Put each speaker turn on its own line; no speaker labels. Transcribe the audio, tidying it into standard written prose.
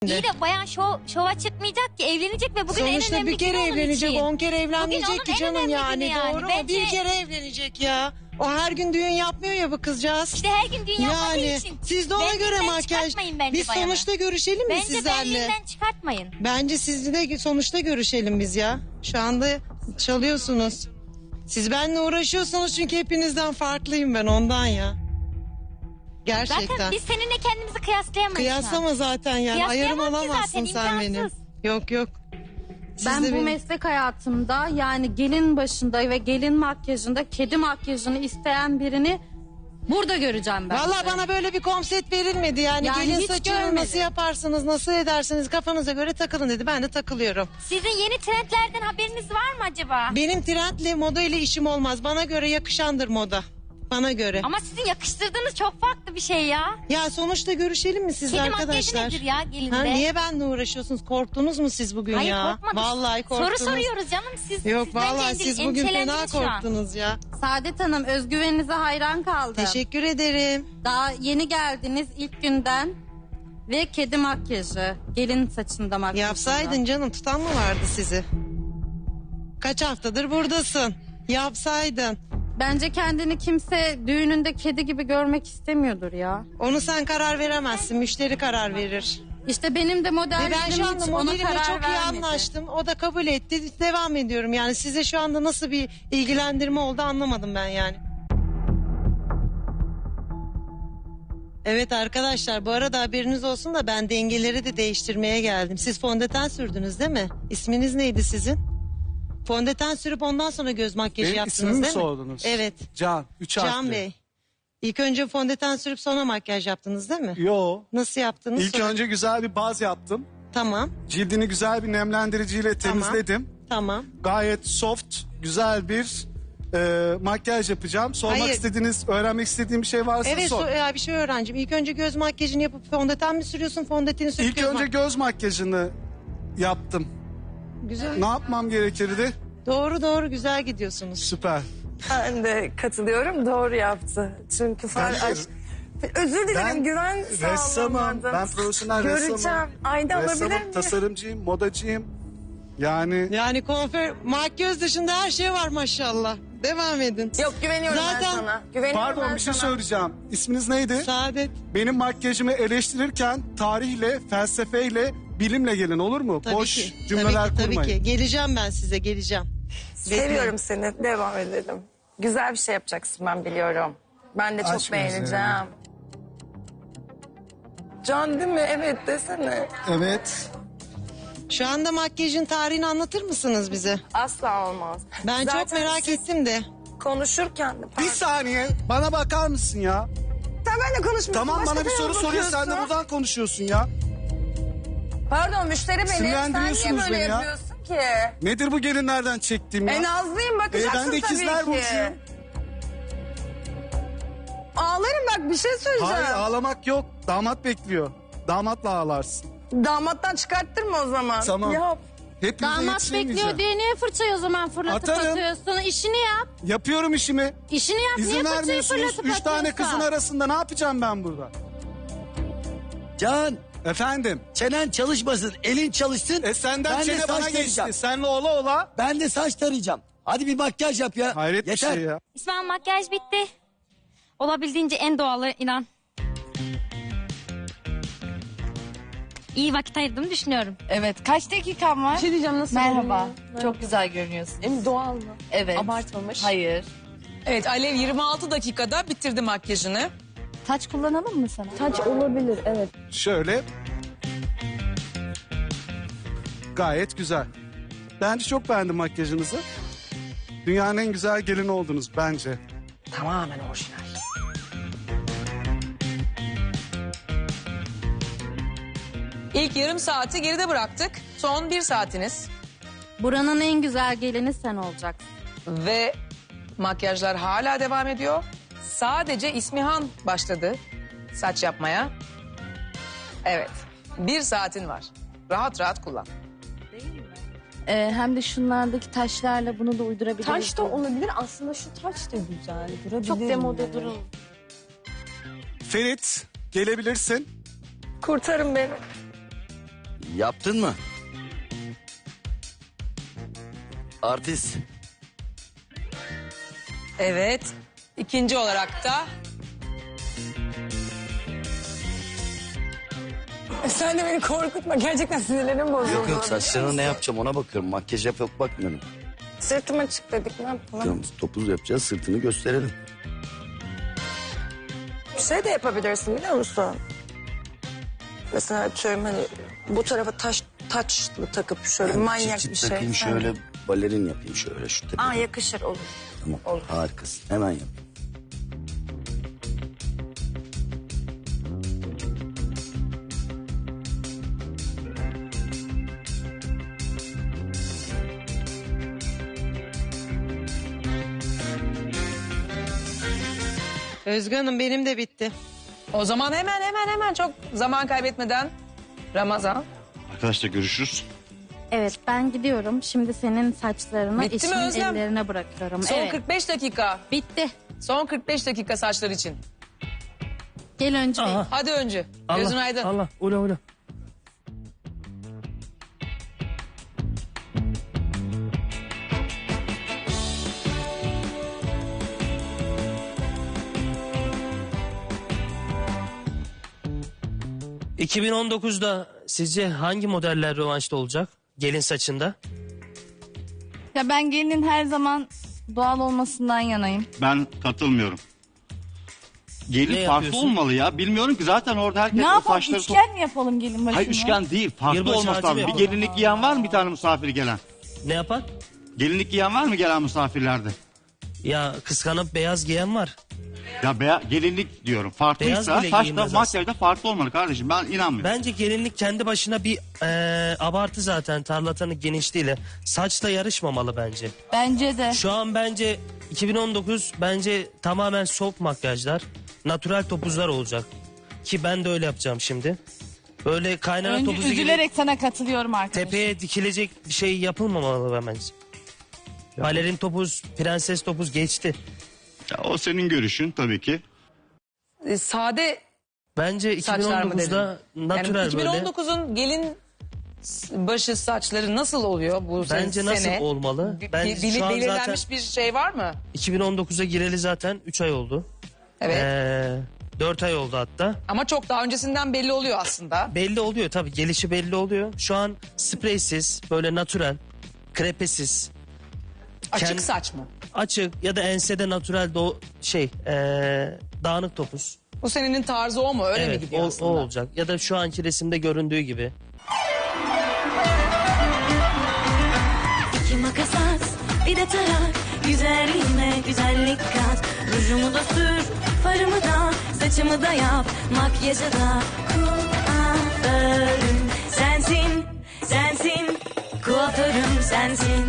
İyi de bayan şova çıkmayacak ki, evlenecek ve bugün
Sonuçta
en önemli
bir kere
günü onun
evlenecek,
için.
10 kere evlenmeyecek
Bugün
ki
onun en
canım
önemli
yani,
günü yani.
doğru mu?
Bence-
Bir kere evlenecek ya. O her gün düğün yapmıyor ya bu kızcağız.
İşte her gün dünya yapmadığı
Yani
için.
siz de ona göre
Benliğinden
makyaj.
çıkartmayın bence
Biz
bayanı.
sonuçta görüşelim mi
Bence
sizlerle?
benliğinden çıkartmayın.
Bence siz de sonuçta görüşelim biz ya. Şu anda çalıyorsunuz. Siz benimle uğraşıyorsunuz çünkü hepinizden farklıyım ben, ondan ya. Gerçekten.
Zaten biz seninle kendimizi kıyaslayamayız. şu an.
Kıyaslama zaten yani. Ayarım
Kıyaslayamam ki
olamazsın
zaten,
sen benim.
imkansız.
Yok yok. Siz
Ben
de
bu
benim-
meslek hayatımda yani gelin başında ve gelin makyajında kedi makyajını isteyen birini burada göreceğim ben.
Valla bana böyle bir konsept verilmedi yani,
Yani
gelin
hiç
saçını
görmedim.
nasıl yaparsınız, nasıl edersiniz, kafanıza göre takılın dedi, ben de takılıyorum.
Sizin yeni trendlerden haberiniz var mı acaba?
Benim trendle moda ile işim olmaz, bana göre yakışandır moda, bana göre.
Ama sizin yakıştırdığınız çok farklı bir şey ya.
Ya sonuçta görüşelim mi siz
Kedi
arkadaşlar?
makyajı nedir ya gelinde?
Ha, niye benimle uğraşıyorsunuz, korktunuz mu siz bugün
Hayır,
ya?
korkmadık.
Vallahi korktunuz.
Soru soruyoruz canım, siz
Yok
siz bence
vallahi siz bugün fena
endişelendiniz şu an.
korktunuz ya.
Saadet Hanım, özgüveninize hayran kaldım.
Teşekkür ederim.
Daha yeni geldiniz ilk günden ve kedi makyajı, gelin saçında makyajında.
Yapsaydın canım, tutan mı vardı sizi? Kaç haftadır buradasın? Yapsaydın.
Bence kendini kimse düğününde kedi gibi görmek istemiyordur ya.
Onu sen karar veremezsin, müşteri karar verir.
İşte benim de
Ve
modellerim
ben şu anda
hiç ona
modelimle
karar
çok iyi
vermedi.
anlaştım. O da kabul etti. Devam ediyorum yani. Size şu anda nasıl bir ilgilendirme oldu anlamadım ben yani. Evet arkadaşlar, bu arada haberiniz olsun da ben dengeleri de değiştirmeye geldim. Siz fondöten sürdünüz değil mi? İsminiz neydi sizin? Fondöten sürüp ondan sonra göz makyajı
Benim
yaptınız
ismimi mi
değil mi?
sordunuz?
Evet.
Can. 3 harfli.
Can Bey. İlk önce fondöten sürüp sonra makyaj yaptınız değil mi?
Yo.
Nasıl yaptınız?
İlk
Sonra-
önce güzel bir baz yaptım.
Tamam.
Cildini güzel bir nemlendiriciyle temizledim.
Tamam.
Gayet soft, güzel bir makyaj yapacağım. Sormak
Hayır.
istediğiniz, öğrenmek istediğim bir şey varsa
Evet
sor.
bir şey öğrencim. İlk önce göz makyajını yapıp fondöten mi sürüyorsun? Fondöteni sürüp
İlk önce göz makyajını yaptım.
Güzel.
Ne yapmam gerekirdi?
Doğru güzel gidiyorsunuz.
Süper.
Ben de katılıyorum, doğru yaptı. Çünkü özür dilerim,
Ben
güven
ressamım.
sağlamadım.
Ben profesyonel
Göreceğim.
ressamım.
Ayda alabilir
Ressamım,
miyim?
tasarımcıyım, modacıyım. Yani
Yani makyaj dışında her şey var maşallah. Devam edin.
Yok, güveniyorum ben
Zaten-
sana. Güveniyorum
pardon
ben
bir şey
sana.
söyleyeceğim. İsminiz neydi?
Saadet.
Benim makyajımı eleştirirken tarihle, felsefeyle, bilimle gelin, olur mu?
Tabii
Boş
ki.
cümleler
tabii ki,
kurmayın.
Tabii ki. Geleceğim ben size, geleceğim.
Seviyorum seni, devam edelim. Güzel bir şey yapacaksın, ben biliyorum. Ben de çok
Aşk
beğeneceğim.
üzerine.
Can değil mi? Evet desene.
Evet.
Şu anda makyajın tarihini anlatır mısınız bize?
Asla olmaz.
Ben çok
Zaten
merak
siz
ettim de.
konuşurken de...
Bir saniye bana bakar mısın ya?
Sen benimle konuşmuyorsun.
Tamam,
başka
bana bir soru
birine
soruyor, sen de
bakıyorsun.
buradan konuşuyorsun ya.
Pardon, müşteri benim. Sen niye
Sinirlendiriyorsunuz
böyle
beni ya.
yapıyorsun ki?
Nedir bu gelinlerden çektiğim ya?
Nazlıyım, bakacaksın
ben de ikizler
tabii ki.
burcuyum.
Ağlarım, bak bir şey söyleyeceğim.
Hayır, ağlamak yok. Damat bekliyor. Damatla ağlarsın.
Damattan çıkarttırma o zaman.
Tamam.
Yap.
Hepinize
Damat
yetişemeyeceğim.
bekliyor diye niye fırçayı o zaman fırlatıp
Atarım.
atıyorsun? İşini yap.
Yapıyorum işimi.
İşini yap.
İzin
niye fırçayı
vermiyorsunuz.
fırlatıp
3 tane
atıyorsun?
kızın arasında ne yapacağım ben burada?
Can,
Efendim?
çenen çalışmasın, elin çalışsın.
Senden
Ben de
çene
saç
bana
tarayacağım.
geçti. Senle ola ola.
Ben de saç tarayacağım. Hadi bir makyaj yap ya.
Hayret
Yeter.
bir şey ya.
İsmail, makyaj bitti. Olabildiğince en doğalı, inan. İyi vakit ayırdığımı düşünüyorum.
Evet. Kaç dakikan var?
Bir şey diyeceğim, nasıl
Merhaba.
görünüyor?
Çok güzel görünüyorsun.
Hem doğal mı?
Evet.
Abartmamış.
Hayır.
Evet, Alev 26 dakikada bitirdi makyajını.
Taç kullanalım mı sana?
Saç olabilir, evet.
Şöyle. Gayet güzel. Bence çok beğendim makyajınızı. Dünyanın en güzel gelini oldunuz bence.
Tamamen orijinal.
İlk yarım saati geride bıraktık. Son 1 saatiniz.
Buranın en güzel gelini sen olacaksın.
Ve makyajlar hala devam ediyor. Sadece İsmihan başladı saç yapmaya. Evet. 1 saatin var. Rahat rahat kullan.
Hem de şunlardaki taşlarla bunu da uydurabiliriz.
Taş da olabilir. Aslında şu taç da güzel. Durabilir
Çok demode
mi?
durun.
Ferit, gelebilirsin.
Kurtarın beni.
Yaptın mı? Artist.
Evet. İkinci olarak da...
Sen de beni korkutma. Gerçekten sinirlerim bozuldu.
Yok yok, saçlarına ne yapacağım ona bakıyorum. Makyaj yap yok bakmıyorum.
Sırtım açık dedik, ne yapalım?
Diyorum, topuz yapacağız, sırtını gösterelim.
Bir şey de yapabilirsin biliyor musun? Mesela atıyorum hani bu tarafa taçlı takıp şöyle manyak
Çıt
bir
çıt
şey.
takayım şöyle, balerin yapayım şöyle şu tepeden.
Aa, yakışır, olur.
Tamam,
olur.
harikasın. Hemen yap.
Özgü Hanım benim de bitti.
O zaman hemen çok zaman kaybetmeden Ramazan.
Arkadaşlar görüşürüz.
Evet, ben gidiyorum. Şimdi senin saçlarını
Bitti mi
eşimin
Özlem?
ellerine bırakıyorum.
Son
Evet,
45 dakika.
bitti.
Son 45 dakika saçlar için.
Gel önce.
Hadi önce. Gözün aydın.
Allah ula ula. ...2019'da sizce hangi modeller rövanşta olacak? Gelin saçında.
Ya ben gelinin her zaman doğal olmasından yanayım.
Ben katılmıyorum.
Ne
Gelin farklı
yapıyorsun?
olmalı ya. Bilmiyorum ki zaten orada herkes
Ne
o
yapalım,
saçları...
üçgen mi yapalım gelin başına?
Hayır üçgen değil. Farklı
Yılbaşı
olması
ağacı
lazım. Bir
yapalım.
gelinlik giyen var mı bir tane misafir gelen?
Ne yapar?
Gelinlik giyen var mı gelen misafirlerde?
Ya kıskanıp beyaz giyen var.
Ya gelinlik diyorum. Farklıysa
Beyaz bile
saçta
giyilmez
makyajda farklı olmalı kardeşim. Ben inanmıyorum.
Bence gelinlik kendi başına bir abartı zaten, tarlatanın genişliğiyle. Saçla yarışmamalı bence.
Bence de.
Şu an bence 2019 bence tamamen soft makyajlar. Natural topuzlar olacak. Ki ben de öyle yapacağım şimdi. Böyle kaynana
Önce
topuzu gibi
üzülerek sana katılıyorum arkadaşım.
tepeye dikilecek bir şey yapılmamalı bence. Balerin topuz, prenses topuz geçti.
Ya, o senin görüşün tabii ki.
Sade
Bence
saçlar mı dedin?
2019'da natural
Yani
böyle.
2019'un gelin başı saçları nasıl oluyor bu
Bence
sene?
nasıl olmalı? Bence şu an
belirlenmiş
zaten
bir şey var mı?
2019'a gireli zaten 3 ay oldu.
Evet.
4 ay oldu hatta.
Ama çok daha öncesinden belli oluyor aslında.
Belli oluyor tabii, gelişi belli oluyor. Şu an spreysiz, böyle natural, krepesiz,
Açık
Kendi-
saç mı?
açık ya da ensede natural dağınık topuz.
Bu senenin tarzı o mu? Öyle mi
Evet,
gidiyor
o
aslında?
olacak. Ya da şu anki resimde göründüğü gibi.
İki makas at, bir de tarak. Güzelliğime güzellik kat. Rujumu da sür, farımı da, saçımı da yap. Makyajı da kuaförüm sensin, sensin. Kuaförüm sensin.